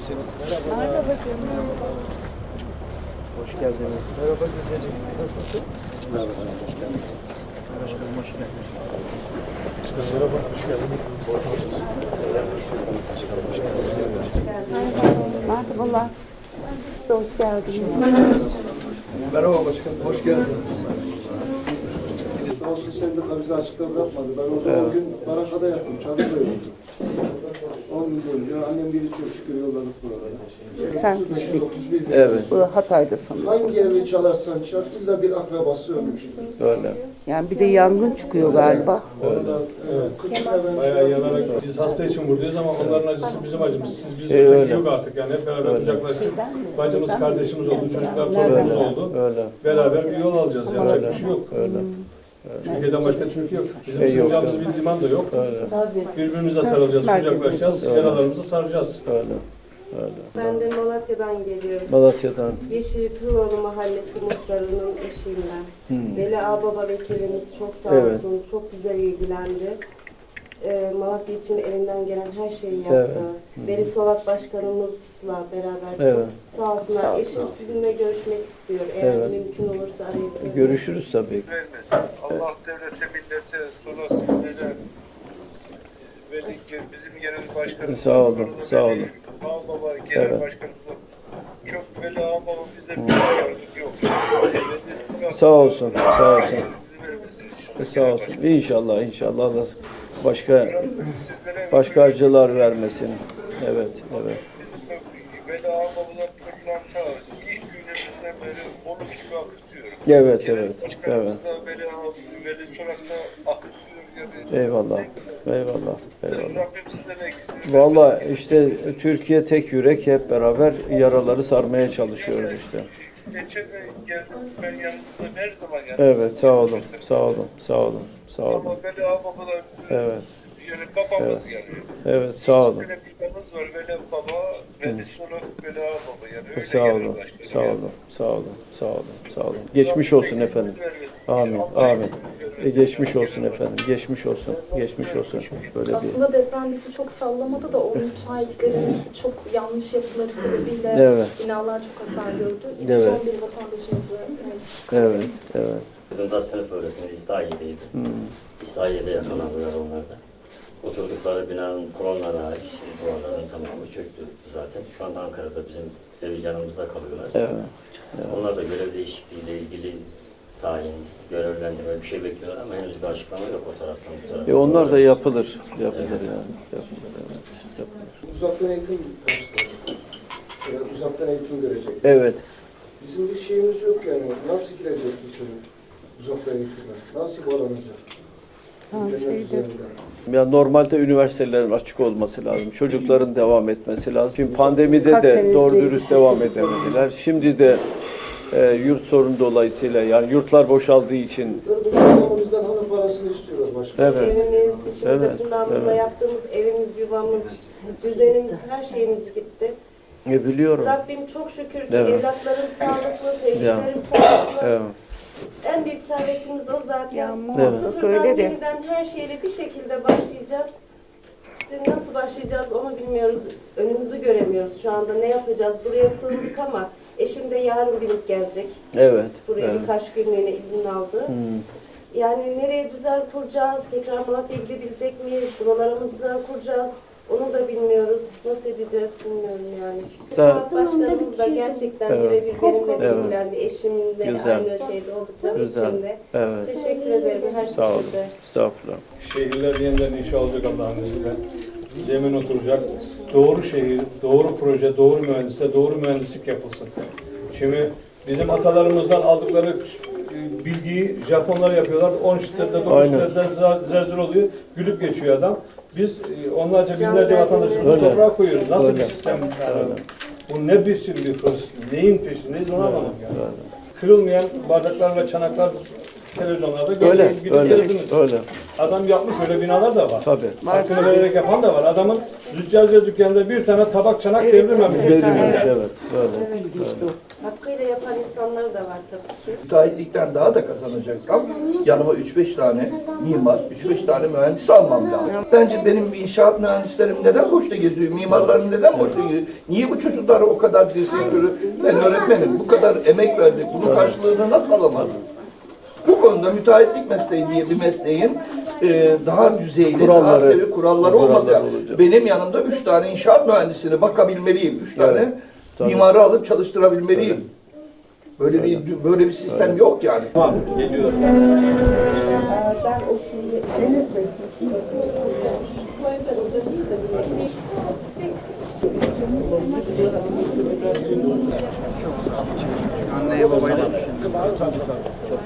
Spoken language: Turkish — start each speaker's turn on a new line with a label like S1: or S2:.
S1: misiniz?
S2: Merhaba canım.
S1: Hoş geldiniz.
S3: Merhaba güzelim. Nasılsın?
S1: Merhaba, hoş geldiniz.
S3: Merhaba, hoş geldiniz. Merhaba, hoş geldiniz.
S2: Merhabalar. Siz de hoş geldiniz.
S3: Merhaba başkanım, hoş geldiniz.
S4: Olsun sendika bize açıklama yapmadı. Ben orada o gün Baraka'da yattım, çadırda yoktum. 10 gün boyunca annem biri çok şükür yolladık buralara.
S2: Sen
S4: 31
S1: Evet,
S2: Bu Hatay'da sanırım.
S4: Hangi evi çalarsan çal, illa bir akrabası ölmüştür.
S1: öyle.
S2: Yani bir de yangın çıkıyor galiba.
S3: Bayağı yanarak biz hasta için buradayız ama onların acısı bizim acımız. Siz bizde
S1: öyle.
S3: yok artık yani hep beraber kucaklaştık. Bacımız, kardeşimiz oldu, çocuklar, torunumuz oldu.
S1: Öyle.
S3: Beraber bir yol alacağız yani. Yapacak bir şey yok.
S1: Öyle.
S3: Türkiye'den başka Türkiye yok. Bizim
S1: yok,
S3: sığınacağımız bir liman da yok.
S1: Öyle.
S3: Birbirimize sarılacağız, kucaklaşacağız, yaralarımızı saracağız.
S1: Öyle. Öyle.
S5: Ben de Malatya'dan geliyorum.
S1: Malatya'dan.
S5: Yeşil Turoğlu Mahallesi muhtarının eşiyim ben. Veli Ağbaba vekilimiz çok sağ
S1: Evet.
S5: olsun, çok güzel ilgilendi. Malatya için elinden gelen her şeyi yaptı.
S1: Evet.
S5: Veli Solak başkanımızla beraber
S1: Evet.
S5: çok sağ olsunlar.
S2: Sağ olsun.
S5: Eşim sizinle görüşmek istiyor. Eğer
S1: Evet.
S5: mümkün olursa arayıp.
S1: Görüşürüz tabii.
S6: vermesin. Allah devlete, millete, sonra sizlere bizim yerel başkanımız.
S1: Sağ olun, sağ olun.
S6: Ağbaba genel
S1: Evet.
S6: başkanımız. Çok böyle ağbaba bize bir yardım yok.
S1: Sağ olsun, sağ olsun.
S6: Bizi vermesin.
S1: Sağ olsun. İnşallah, inşallah Allah başka acılar vermesin. Evet, evet.
S6: Böyle ağbabalar çocuğun ta ilk günlerimizden beri onu gibi akıtıyor.
S1: Evet, evet, evet.
S6: Başkanımız da Veli Sorak'ta akıtıyor yani.
S1: Eyvallah, eyvallah, eyvallah.
S6: Rabbim sizden eksin.
S1: Vallahi işte Türkiye tek yürek, hep beraber yaraları sarmaya çalışıyoruz işte.
S6: Geçen de geldim ben yanınızda her zaman yanınızda.
S1: Evet, sağ olun, sağ olun, sağ olun, sağ olun.
S6: Ama Veli Ağababa
S1: Evet,
S6: yani babamız yani.
S1: evet, sağ olun,
S6: Böyle bir babamız var Veli Baba, Veli Solak, Veli Ağababa yani. Öyle
S1: sağ
S6: genel
S1: olun,
S6: başkanım
S1: sağ
S6: yani.
S1: olun, sağ olun, sağ olun, sağ olun. Geçmiş olsun efendim. Amin, amin. Geçmiş olsun efendim, geçmiş olsun, geçmiş olsun. Böyle bir...
S7: Aslında deprem bizi çok sallamadı da o müteahhitlerin çok yanlış yapıları sebebiyle
S1: Evet.
S7: binalar çok hasar gördü.
S1: Evet.
S7: Son bir vatandaşımızı
S1: Evet, evet.
S8: Kızım da sınıf öğretmeni İslahiye'deydi. İslahiye'de yakalandılar onlar da. Oturdukları binanın kolonları hariç duvarların tamamı çöktü zaten. Şu anda Ankara'da bizim ev yanımızda kalıyorlar.
S1: Evet.
S8: Onlar da görev değişikliğiyle ilgili tayin, görevlendirme bir şey bekliyorlar ama henüz bir açıklama yok o taraftan bu taraftan.
S1: Onlar da yapılır, yapılır yani. Yapılır, evet. Yapılır.
S4: Uzaktan eğitim başladı. Yani uzaktan eğitim görecek.
S1: Evet.
S4: Bizim bir şeyimiz yok yani. Nasıl girecek bu çocuk? Uzaktan eğitime. Nasıl bağlanacak? İnternet üzerinden.
S1: Ya normalde üniversitelerin açık olması lazım. Çocukların devam etmesi lazım. Şimdi pandemide
S2: Kaç
S1: de
S2: senedir
S1: doğru
S2: bir
S1: dürüst
S2: şey
S1: devam edemediler. Şimdi de yurt sorunu dolayısıyla yani yurtlar boşaldığı için
S4: Boşanmamızdan hanım parasını istiyorlar başka.
S1: evet.
S5: Evimiz, dişimize
S1: Evet,
S5: tırnağımızla
S1: evet.
S5: yaptığımız evimiz, yuvamız, düzenimiz, her şeyimiz gitti.
S1: Biliyorum.
S5: Rabbim çok şükür ki
S1: Evet.
S5: evlatlarım sağlıklı, sevdiklerim
S1: Ya.
S5: sağlıklı.
S1: Evet.
S5: En büyük servetimiz o zaten.
S2: Ya muhakkak
S5: Sıfırdan
S2: öyle de.
S5: yeniden her şeyle bir şekilde başlayacağız. İşte nasıl başlayacağız onu bilmiyoruz. Önümüzü göremiyoruz şu anda. Ne yapacağız? Buraya sığındık ama eşim de yarın binip gelecek.
S1: Evet.
S5: Buraya
S1: Evet.
S5: birkaç günlüğüne izin aldı. Yani nereye düzen kuracağız? Tekrar Malatya'ya gidebilecek miyiz? Buralara mı düzen kuracağız? Onu da bilmiyoruz. Nasıl edeceğiz bilmiyorum yani. Suat Başkanımız da gerçekten
S1: Evet.
S5: birebir benimle
S1: Evet.
S5: ilgilendi. Eşimle
S1: Güzel.
S5: aynı şeyde oldukları
S1: Güzel.
S5: için de.
S1: Evet.
S5: Teşekkür ederim her
S1: Sağ olun.
S5: şekilde.
S1: Estağfurullah.
S3: Şehirler yeniden inşa olacak Allah'ın izniyle. Zemin oturacak. Doğru şehir, doğru proje, doğru mühendisle, doğru mühendislik yapılsın. Şimdi bizim atalarımızdan aldıkları bilgiyi Japonlar yapıyorlar. 10 şiddette, 9
S1: Aynen.
S3: şiddette zelzele oluyor. Gülüp geçiyor adam. Biz onlarca binlerce
S5: Can
S3: vatandaşımızı
S1: Öyle.
S3: toprağa koyuyoruz. Nasıl
S1: Öyle.
S3: bir sistem?
S1: Öyle.
S3: Bu ne biçim bir hırs? Neyin peşindeyiz onu anlamadım yani. Kırılmayan bardaklar ve çanaklar televizyonlarda
S1: Öyle,
S3: gördünüz, gidip
S1: öyle,
S3: gezdiniz.
S1: öyle.
S3: Adam yapmış, öyle binalar da var.
S1: Tabii.
S3: Hakkını vererek yapan da var. Adamın züccaciye dükkanında bir tane tabak çanak devrilmemiş.
S1: Verilmemiş, evet. Öyle.
S2: Evet, işte o.
S5: hakkıyla yapan insanlar da var tabii ki.
S9: Müteahhitlikten daha da kazanacaksam yanıma 3-5 tane mimar, 3-5 tane mühendis almam lazım. Bence benim inşaat mühendislerim neden boşta geziyor? Mimarlarım neden boşta geziyor? Niye bu çocuklar o kadar teşekkürü? Ben öğretmenim, bu kadar emek verdik. Bunun karşılığını nasıl alamaz? Bu konuda müteahhitlik mesleği diye bir mesleğin daha düzeyli, daha seviye kuralları olmaz.
S1: olacak.
S9: Benim yanımda 3 tane inşaat mühendisine bakabilmeliyim. 3 tane mimarı alıp çalıştırabilmeliyim. Böyle bir sistem yok yani.
S1: Tamam, geliyorum.
S10: Anneye babayla düşündüm.